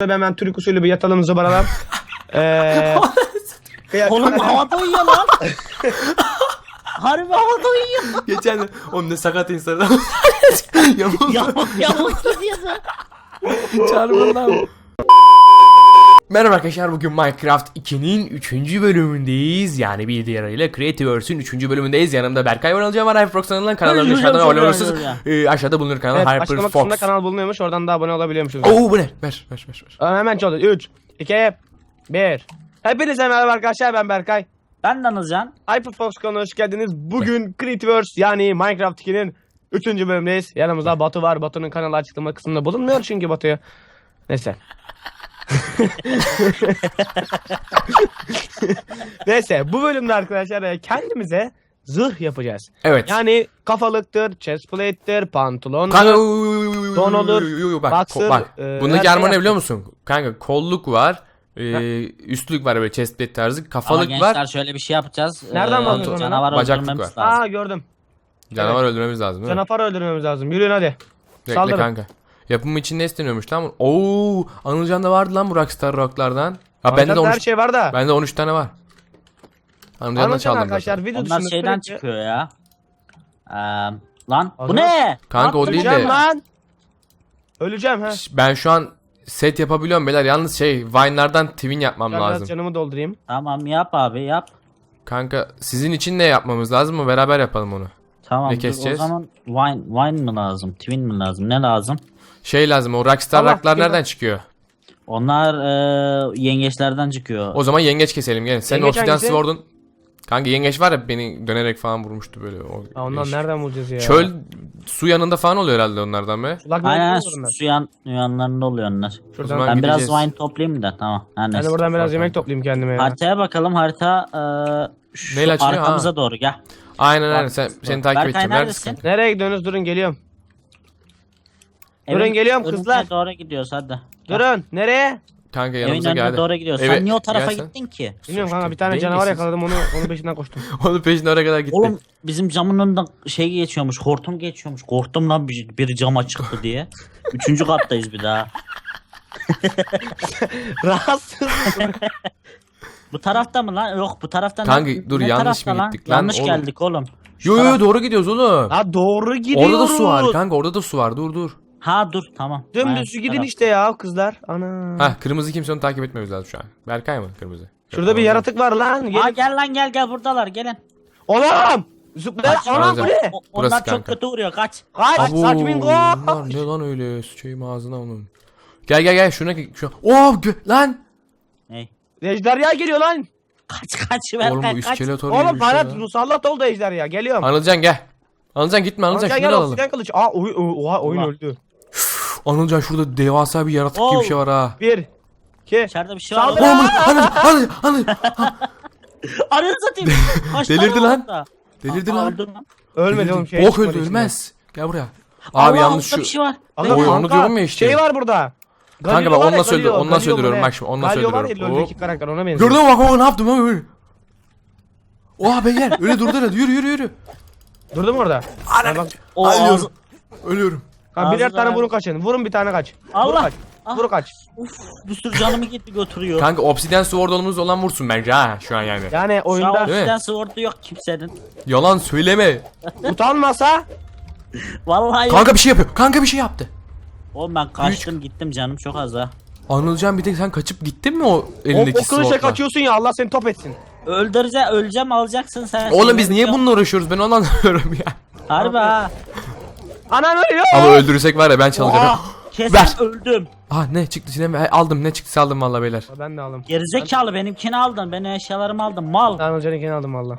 tabi hemen Türk usulü bir yatalım zıbaralar. Oğlum havada uyuyor lan. Harbi havada uyuyor. Geçen de onun ne sakat insanlar. Yamuk gidiyorsun. Çağırma lan. Merhaba arkadaşlar, bugün Minecraft 2'nin 3. bölümündeyiz. Yani bir diğeriyle Creativeverse'ün 3. bölümündeyiz. Yanımda Berkay var, alacağım var. HyperFox'tan kanallarını aşağıdan abone olursunuz. Aşağıda bulunur kanal Evet, açıklama kısmında HyperFox. kanal bulunuyormuş, oradan da abone olabiliyormuşuz. Oo bu ne? Ver. Hemen çaldı. 3, 2, 1. Hepinize merhaba arkadaşlar, ben Berkay. Ben de Anılcan. HyperFox kanalına hoş geldiniz. Bugün Creativeverse yani Minecraft 2'nin 3. bölümündeyiz. Yanımızda Batu var. Batu'nun kanalı açıklama kısmında bulunmuyor çünkü Batu'ya. Neyse. Neyse, bu bölümde arkadaşlar kendimize zırh yapacağız. Evet. Yani kafalıktır, chestplate'tir, pantolon, Kanka don olur, bak boxer, bak. Bundaki her armor şey ne biliyor musun? Kanka kolluk var. Üstlük var, böyle chestplate tarzı. Ama Kafalık gençler var. şöyle bir şey yapacağız. Nereden bakıyorsun ona? Canavar Bacaklık öldürmemiz var. lazım. Gördüm. Canavar öldürmemiz lazım değil mi? Canavarı öldürmemiz lazım. Yürüyün hadi. Bekle Saldırın. kanka. Yapımı için ne isteniyormuş lan? Oo, Anılcan'da vardı lan bu Rockstar Rock'lardan. Ha bende de Her 13 şey var da. bende 13 tane var. Anılcan'dan Anlatın çaldım arkadaşlar, zaten. video Onlar dışında şeyden sürekli- çıkıyor ya. Lan Aha. bu ne? Kanka o değil de- Öleceğim lan. Öleceğim ha. Ben şu an set yapabiliyorum beyler. Yalnız Vine'lardan twin yapmam Ben biraz lazım. canımı doldurayım. Tamam yap abi yap. Kanka sizin için ne yapmamız lazım mı? Beraber yapalım onu. Tamam Ne dur, keseceğiz? o zaman wine mi lazım? Twin mi lazım? Ne lazım? Lazım, o Rockstar Allah, Rock'lar kim nereden lan? çıkıyor? Onlar yengeçlerden çıkıyor. O zaman yengeç keselim gelin. Senin Yengeç Obsidian hangisi? Sword'un. Kanka yengeç var ya, beni dönerek falan vurmuştu böyle. Ha, ondan değişik. nereden bulacağız ya? Çöl su yanında falan oluyor herhalde onlardan be. Sulak Aynen yolda olur onlar. su yanlarında oluyor onlar. O zaman Ben biraz gideceğiz. wine toplayayım da tamam. Her Ben de neyse. buradan biraz Bak yemek kanka. toplayayım kendime ya. Haritaya bakalım, harita şu Neyle açılıyor? arkamıza Ha. doğru gel. Aynen Bak, seni takip Berkay edeceğim. neredesin? Neredesin? Nereye gidiyorsunuz? Durun, geliyorum. Durun, Evin geliyorum önüne kızlar. doğru gidiyoruz hadi. Durun. Nereye? Kanka Evin yanımıza önüne geldi. doğru gidiyoruz. Eve- Sen niye o tarafa gelsen. gittin ki? Bilmiyorum kanka, bir tane Dengesiz. canavar yakaladım, onun peşinden koştum. Onun peşinde oraya kadar gitti. Oğlum bizim camın önünden geçiyormuş, hortum geçiyormuş. Korktum lan biri cama çıktı diye. 3. kattayız bir daha. Rahatsız. Bu tarafta mı lan? Yok bu tarafta. Kanka, ne, dur, ne yanlış tarafta mı gittik lan? Yanlış Oğlum. geldik oğlum. Şu Yo taraf- doğru gidiyoruz oğlum. Ha, doğru gidiyoruz. Orada da su var kanka, orada da su var, dur. Ha dur tamam. Aynen, Dümdüz şu gidin taraf. işte ya kızlar. Ana. Hah, kırmızı kimse, onu takip etmemiz lazım şu an. Berkay mı kırmızı? Şurada bir yaratık var lan. Aa Gelin. gel lan gel buradalar gelin. Oğlum. Zıpla. Anam bu ne? Burası Onlar çok kanka. kötü vuruyor kaç. Kaç. Abo, Saçmin go. bunlar ne lan öyle, sıçayım ağzına onun. Gel şuna şu. Oh lan. Ney? Ejderha geliyor lan. Kaç Oğlum bu ver kaç. iskeletor gibi Oğlum bir şey bana ya. musallat oldu ejderha. Geliyorum. Anılcan gel. Anılcan gitme, Anılcan Gel şunları gel, alalım. obsidian kılıç. Aa oha, oyun Allah. öldü. Anılcan şurada devasa bir yaratık gibi bir şey var ha. 1 2 İçeride bir şey var. Saldır. oğlum. Anıl. Arını satayım. Kaç Delirdi tane var lan. orada? Delirdi Aa, lan. öldün lan. Ölmedi oğlum, şey Bok çıkmadı öldü, içinden. ölmez. Gel buraya. Abi Allah, yalnız orada şu. bir şey var. Aga, Oy, onu kanka, diyorum ya işte. Şey var burada. Kanka Galio bak, var ya, onunla söylüyorum, Galio, onunla Galio söylüyorum. mu Bak ne? şimdi, onunla Galio var ya, söylüyorum. LoL'deki karakter, ona benziyor. Gördün mü bak, ne yaptım ben böyle. Oha beyler, öyle durdu hadi, yürü. Durdu mu orada? Ana. Bak, O Ölüyorum. ağzı. Ölüyorum. kanka birer Ağzına tane ver. vurun kaçın. Vurun bir tane kaç. Allah. Vur kaç. Ah. Vur kaç. Uf, bir sürü canımı gitti götürüyor. Kanka Obsidian Sword olan vursun bence ha şu an yani. Yani Şu an oyunda Değil mi? obsidian sword'u yok kimsenin. Yalan söyleme. utanmasa Vallahi yok. Kanka bir şey yapıyor. Kanka bir şey yaptı. Oğlum ben kaçtım gittim canım çok az ha. Anılcan bir tek sen kaçıp gittin mi o o elindeki kılıçla swordla? kaçıyorsun ya, Allah seni top etsin. Öleceğim alacaksın sen. Oğlum biz niye bununla uğraşıyoruz, ben onu anlamıyorum ya. Harbi ha. Anam ölüyor. Ama öldürürsek var ya, ben çalacağım. Oha, kesin Ver. öldüm. Ah ne çıktı şimdi, aldım, ne çıktı aldım valla beyler. Ben de aldım. Gerizekalı benimkini aldın. Benim eşyalarımı aldın mal. Ben Hoca'nınkini aldım valla.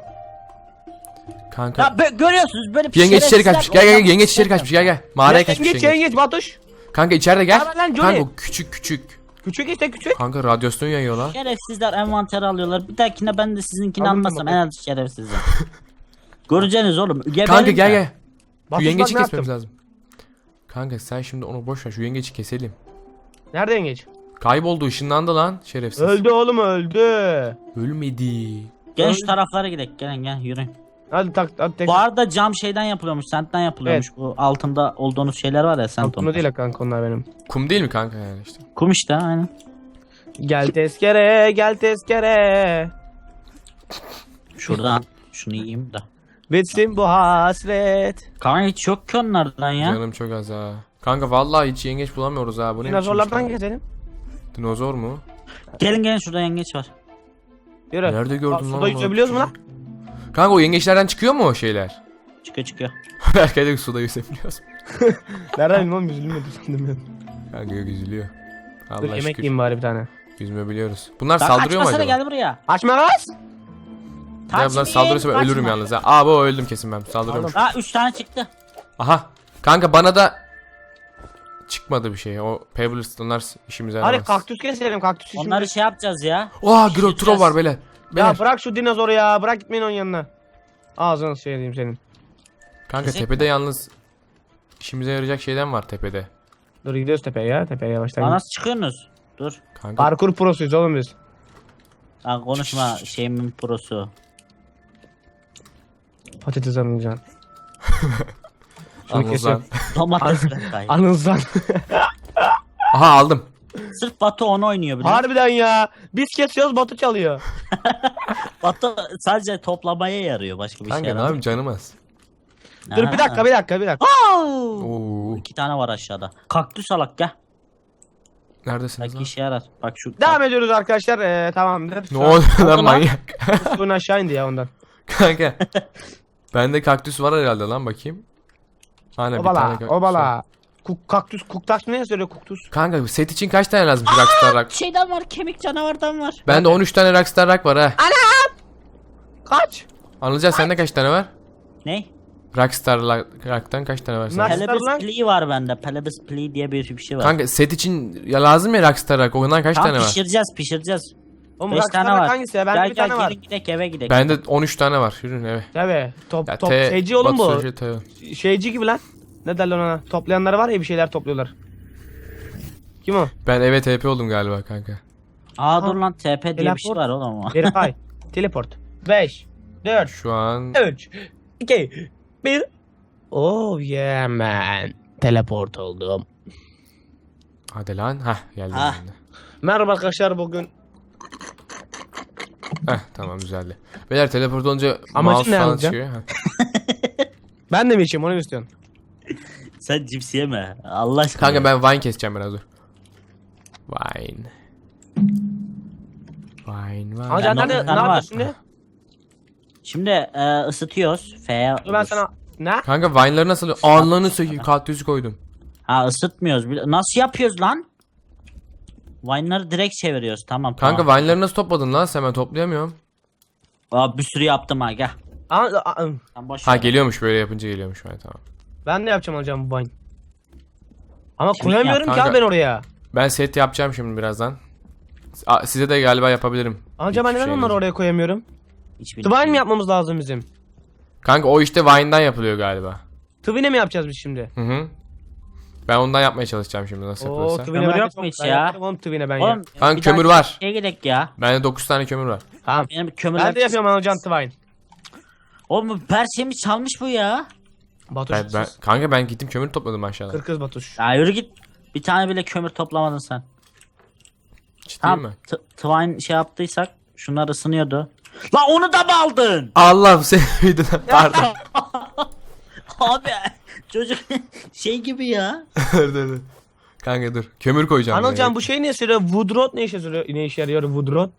Kanka. Ya görüyorsunuz böyle Yengeç içeri şerefsizler kaçmış, gel oynamak yengeç içeri istemiyorum. kaçmış, gel. Mağaraya kaçmış Yengeç yengeç. yengeç Batuş. Kanka içeride gel. Haber lan Johnny. Kanka o küçük. Küçük işte küçük. Kanka radyasyon yayıyor lan. Şerefsizler envanter alıyorlar. Bir dahakine ben de sizinkini Aldım almasam en bakayım. az şerefsizim. Göreceğiniz oğlum. Kanka Geberin gel de. gel. Şu Batuş yengeci bak ne kesmemiz yaptım. lazım. Kanka sen şimdi onu boş ver, şu yengeci keselim. Nerede yengeç? Kayboldu, ışınlandı lan şerefsiz. Öldü oğlum, öldü. Ölmedi. Gel şu taraflara gidelim. Gelin gel yürüyün. Hadi tak hadi tek. Bu arada cam şeyden yapılıyormuş, sentten yapılıyormuş. Bu altında olduğunuz şeyler var ya, sent Altında değil kanka onlar benim. Kum değil mi kanka yani işte? Kum işte aynen. Gel tezkere gel tezkere. Şuradan şunu yiyeyim de. Bitsin bu hasret. Kanka hiç yok ki onlardan ya. Canım çok az ha. Kanka vallahi hiç yengeç bulamıyoruz ha. Bu ne Dinozorlardan biçim gezelim. işte? Dinozor mu? Gelin şurada yengeç var. Yürü. Nerede gördün Aa, lan suda bunu? yüzebiliyoruz mu lan? Kanka o yengeçlerden çıkıyor mu o şeyler? Çıkıyor. Belki de suda yüzebiliyoruz. Nereden bilmem oğlum yüzülmedi sandım ben. Kanka yok yüzülüyor. Dur Allah yemek şükür. yiyeyim bari bir tane. Yüzme biliyoruz. Bunlar Bak, saldırıyor mu açmasana, acaba? gel buraya. Açma kız. Ya bunlar saldırırsa ben ölürüm yalnız ha. Aa bu öldüm kesin ben. Saldırıyormuş. Ha 3 tane çıktı. Aha. Kanka bana da çıkmadı bir şey. O Pebbles onlar işimize Hadi yaramaz. kaktüs keselim kaktüs işimizi. Onları şey yapacağız ya. Oha Pişireceğiz. Grotro var beyler. Ya Beyler. bırak şu dinozoru ya. Bırak gitmeyin onun yanına. Ağzını şey diyeyim senin. Kanka Kesek tepede yalnız işimize yarayacak şeyden var tepede. Dur gidiyoruz tepeye ya. Tepeye yavaştan. Lan nasıl çıkıyorsunuz? Dur. Kanka Parkur prosuyuz oğlum biz. Lan konuşma şeyimin prosu. Patates anılacaksın. Şunu anlasın. kesiyorum. Domates renkay. Anılsan. Aha aldım. Sırf Batu onu oynuyor biliyor musun? Harbiden ya. Biz kesiyoruz Batu çalıyor. Batu sadece toplamaya yarıyor, başka bir şey Kanka ne yaramıyor. yapayım canım az. Dur bir dakika. Oo. 2 tane var aşağıda. Kaktüs alak gel. Neredesiniz Belki lan? işe yarar. Bak şu. Devam ediyoruz arkadaşlar. Tamamdır. Ne oluyor lan lan? manyak? Suyun aşağı indi ya ondan. Kanka. Bende kaktüs var herhalde lan bakayım. Hani bir tane Obala. kaktüs var. Obala. Kaktüs. Kuktaş ne söylüyor kuktus? Kanka set için kaç tane lazım Rockstar Rock? Şeyden var, kemik canavardan var. Bende 13 tane Rockstar Rock var ha. Kaç? Anılcan sende kaç tane var? Ne? Rockstar Rock'tan kaç tane var sende? Nasıl? Pelebis lan? Plea var bende. Pelebis Plea diye bir şey var. Kanka set için ya lazım ya Rockstar Rock. Ondan kaç Tam tane var? pişireceğiz. Oğlum 5 Rockstar tane var. hangisi ya? Bende Gel bir tane var. gelin gidek eve gidek. Bende 13 tane var. Yürüyün eve. Tabii. Top Ya şeyci oğlum bu. Batu Sözcü, Şeyci gibi lan. Ne derler ona? Toplayanlar var ya bir şeyler topluyorlar. Kim o? Ben eve TP oldum galiba kanka. Aa dur lan, TP diye bir şey Teleport. var oğlum. Verify. Teleport. 5 4 Şu an 3 2 1 Oh yeah man. Teleport oldum. hadi lan. Hah geldim Hah. ben de. Merhaba arkadaşlar bugün. Heh tamam güzeldi. Beyler teleport olunca Amacın mouse ne falan Anılcan? çıkıyor. Heh. Ben de mi içeyim onu mu istiyorsun? Sen cips yeme. Allah aşkına. Kanka ben Vine keseceğim biraz dur. Vine. Vine. Anılcan Ben nerede? onu- Ne tane var. yapıyorsun şimdi? Şimdi ısıtıyoruz. F'ye. Dur ben sana... Ne? Kanka Vine'ları nasıl alıyor? Anlarını sökeyim. Kaktüsü koydum. Ha ısıtmıyoruz. Nasıl yapıyoruz lan? Vine'ları direkt çeviriyoruz. Tamam Kanka tamam. Vine'ları nasıl topladın lan? Sen ben toplayamıyorum. Aa, bir sürü yaptım ha, gel. Sen boş Ha ver. geliyormuş böyle yapınca geliyormuş. Ha, tamam. Ben de yapacağım hocam bu Vine. Ama Şimdi koyamıyorum yap ki kanka. abi ben oraya. Ben set yapacağım şimdi birazdan. Size de galiba yapabilirim. Anca ben Hiçbir neden şey onları yok. oraya koyamıyorum? Hiçbir Twine mi yapmamız lazım bizim? Kanka o işte Vine'dan yapılıyor galiba. Twine mi yapacağız biz şimdi? Hı hı. Ben ondan yapmaya çalışacağım şimdi nasıl Oo yapılırsa. Twine Kömür ben yok çok- mu hiç ben ya? yaparım oğlum Twine ben ya. Oğlum, Kanka bir kömür daha var. Şeye gidelim ya. Bende 9 tane kömür var. Tamam. Benim kömürler... Ben de yapıyorum hocam Twine. Oğlum bu perşemi çalmış bu ya. Batuş. Kanka ben gittim kömür topladım aşağıdan. Kırkız Batuş. Ya yürü git. Bir tane bile kömür toplamadın sen. Ciddi Tamam. mi? Twine şey yaptıysak şunlar ısınıyordu. La onu da mı aldın? Allah seni videodan pardon. Abi çocuk şey gibi ya. dur. Kanka dur. Kömür koyacağım. Anılcan buraya. bu şey ne söylüyor? Woodrot ne işe yarıyor? Ne işe yarıyor Woodrot?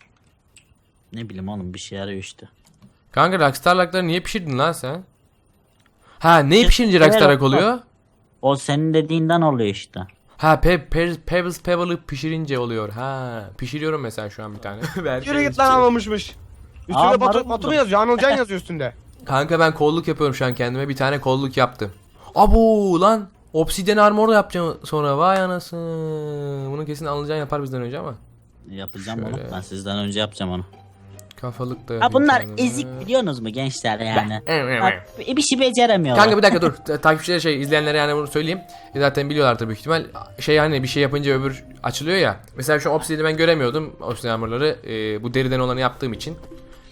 Ne bileyim oğlum, bir şey yarıyor işte. Kanka Rockstar Rock'ları niye pişirdin lan sen? Ha neyi pişirince Evet, Rockstar Rock bak. oluyor? O senin dediğinden oluyor işte. Ha Pebbles Pebble'ı pişirince oluyor. Ha pişiriyorum mesela şu an bir tane. Yürü git lan almamışmış. Üstünde Aa, Batu, marul Batu mu buldum. yazıyor? Anılcan yazıyor üstünde. Kanka ben kolluk yapıyorum şu an kendime. Bir tane kolluk yaptım. Abu lan. Obsidian armor yapacağım sonra. Vay anasını. Bunu kesin Anılcan yapar bizden önce ama. Yapacağım Şöyle. onu. Ben sizden önce yapacağım onu. Kafalık da Ha yapayım bunlar kendime. ezik, biliyorsunuz mu gençler yani? Evet. Ha, bir şey beceremiyorlar. Kanka bir dakika dur. Takipçilere izleyenlere yani bunu söyleyeyim. Zaten biliyorlardır büyük ihtimal. Hani bir şey yapınca öbür açılıyor ya. Mesela şu an Obsidian'i ben göremiyordum. Obsidian armorları bu deriden olanı yaptığım için.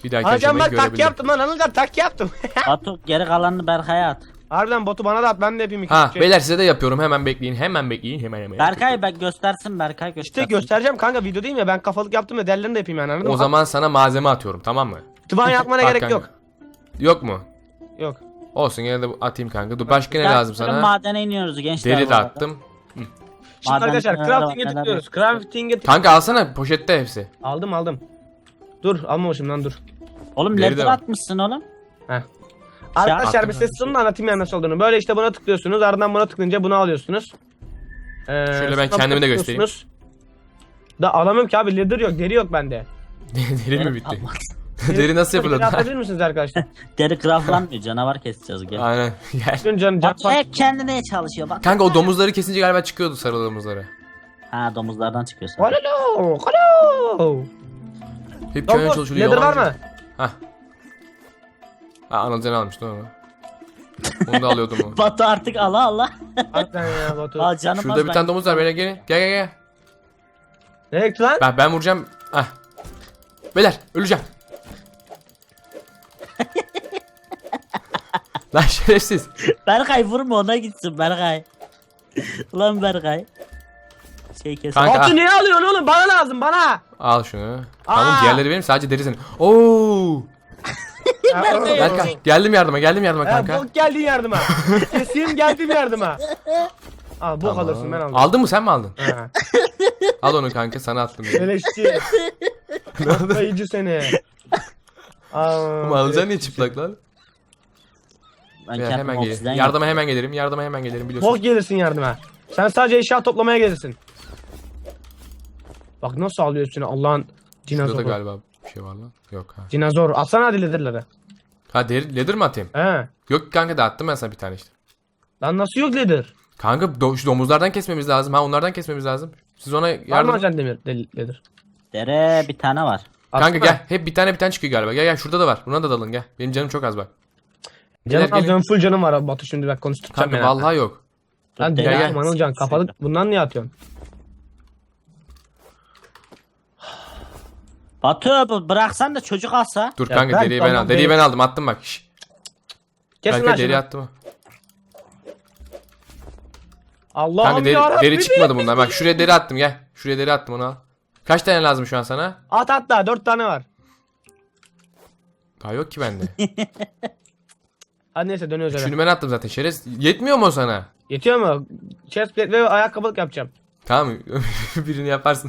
Bir dahaki Hocam aşamayı bak tak görebilirim. yaptım lan Anılcan, tak yaptım. Batu geri kalanını Berkay'a at. Harbiden botu bana da at, ben de yapayım iki Ha şey. beyler size de yapıyorum, hemen bekleyin, hemen. Berkay bak göstersin, Berkay göstersin. İşte göstereceğim kanka, video değil mi? Ben kafalık yaptım ya, derlerini de yapayım yani, anladın mı? O zaman sana malzeme atıyorum, tamam mı? Tıban yapmana Bak gerek kanka. yok. Yok mu? Yok. Olsun, yine de atayım kanka. Dur, başka ne Gel, lazım bugün sana? Madene iniyoruz gençler. Deri bu de arada. attım. Şimdi Madem arkadaşlar neler crafting'e var, neler tıklıyoruz. yok. Crafting'e Kanka alsana, poşette hepsi. Aldım. Dur, almamışım lan, dur. Oğlum Deri de leather var. atmışsın oğlum. Heh. Arkadaşlar attım bir ses sonunu anlatayım yani nasıl olduğunu. Böyle işte buna tıklıyorsunuz. Ardından buna tıklayınca bunu alıyorsunuz. Şöyle ben sonra kendimi de tıklıyorsunuz. Da alamıyorum ki abi, leather yok, deri yok bende. Deri mi bitti? Deri nasıl yapılır? Atabilir misiniz arkadaşlar? Deri craftlanmıyor, canavar keseceğiz gel. Aynen, gel. Dün can Batu hep kendine çalışıyor bak. Kanka o domuzları kesince galiba çıkıyordu, sarı domuzları. Ha domuzlardan çıkıyorsun. Alo. Hep köyün Domuz, çalışıyor. leather var yalancı. mı? Hah. Ha, Anılcan almıştı onu. Onu da alıyordum o. Batu artık ala. Harbiden ya Batu. Al canım Şurada bir tane domuz var, beyler gelin. Gel. Nereye gitti lan? Ben vuracağım. Ah. Beyler öleceğim. Lan şerefsiz. Berkay vurma, ona gitsin Berkay. Ulan Berkay. Şey kes. Kanka. Batu niye alıyorsun oğlum? Bana lazım, bana. Al şunu. Tamam, Aa! diğerleri benim, sadece deri senin. Oo! Berkay. Berkay geldim yardıma kanka. Bok geldin yardıma. Kesin geldim yardıma. Al bok Tamam. alırsın, ben aldım. Aldın mı, sen mi aldın? Ha. Al onu kanka, sana attım. Beleşçi. Kayıcı seni. Ama alacaksın niye çıplak lan? Ben Beyler, kendim hemen oksijen gelirim. Yardıma hemen gelirim biliyorsun. Bok gelirsin yardıma. Sen sadece eşya toplamaya gelirsin. Bak nasıl alıyor üstüne Allah'ın Şurada da dinozoru. galiba bir şey var lan. Yok ha. Dinozor. Atsana hadi leather'ları. Ha leather mi atayım? He. Yok kanka, dağıttım ben sana bir tane işte. Lan nasıl yok leather? Kanka şu domuzlardan kesmemiz lazım. Ha, onlardan kesmemiz lazım. Siz ona Var mı yardım. acan leather? Dere bir tane var. Kanka Atsana. gel. Hep bir tane çıkıyor galiba. Gel şurada da var. Buna da dalın gel. Benim canım çok az bak. Canım Gel, az, gelin. canım full canım var Batu, şimdi bak konuşturacağım Kanka beni. vallahi yok. Lan Gel, gel gel. Manılcan kafalık, bundan niye atıyorsun? Batu bıraksan da çocuk alsa. Dur Ya kanka, ben deriyi ben tamam, aldım. Deriyi ben aldım, attım bak. Şş. Kesin Kanka lan deri şunu. attım. Allah'ım Kanka yarabbim. deri çıkmadı bundan. Bak şuraya deri attım, gel. Şuraya deri attım, onu al. Kaç tane lazım şu an sana? At da 4 tane var. Daha yok ki bende. Hadi neyse dönüyoruz eve. Şunu ben attım zaten, şerefsiz. Yetmiyor mu o sana? Yetiyor mu? Chestplate ve ayakkabılık yapacağım. Tamam birini yaparsın.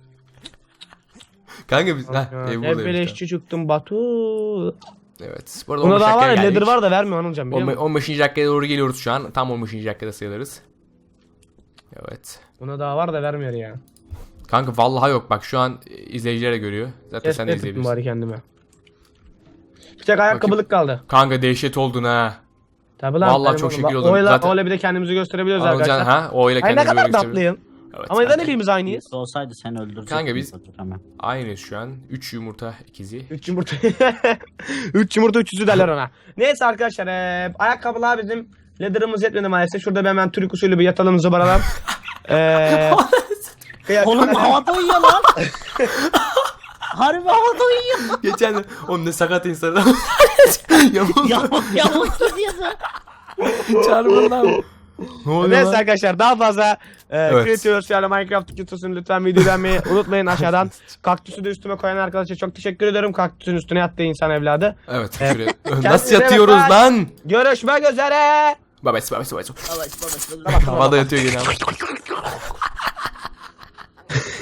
Kanka biz Ya, ev hep buradaymış. beleşçi çıktım Batu. Evet. Bu arada Buna 15 daha var ya, dakikaya leather geldik. var da vermiyor Anılcan, biliyor musun? 15. dakikaya doğru geliyoruz şu an. Tam 15. dakikada sayılırız. Evet. Buna daha var da vermiyor ya. Kanka vallahi yok, bak şu an izleyiciler de görüyor. Zaten sen de Chestplate tuttum izleyebilirsin. bari kendime. Bir tek ayakkabılık kaldı. Kanka dehşet oldun ha. Tabi lan. Vallahi benim çok oğlum. şekil Bak, oldum. Öyle, Zaten- öyle bir de kendimizi gösterebiliyoruz Anılcan arkadaşlar. ha, o ile Ay ne kendimizi kadar böyle gösteriyoruz. tatlıyım. Evet, Ama neden kanka. hepimiz aynıyız? Birisi olsaydı seni öldürecektim. Kanka biz- Batu hemen. Aynıyız şu an. 3 yumurta ikizi. 3 yumurta. 3 yumurta 300'ü derler ona. Neyse arkadaşlar, ayakkabılar bizim leather'ımız yetmedi maalesef. Şurada bir hemen Türk usulü bir yatalım zıbaralar. Oğlum havada uyuyor lan. Harbi havada uyuyor. Geçen de onun ne sakat insanlar. Yamuk. Yamuk gidiyordu. Çarpın lan. Ne oluyor Neyse lan? arkadaşlar, daha fazla Evet. Creators yani Minecraft videosunu lütfen video beğenmeyi unutmayın aşağıdan. Kaktüsü de üstüme koyan arkadaşa çok teşekkür ederim. Kaktüsün üstüne yattığı insan evladı. Evet şuraya. Nasıl Kendinize yatıyoruz bakın. lan? Görüşmek üzere. Babası. Havada yatıyor gene ama.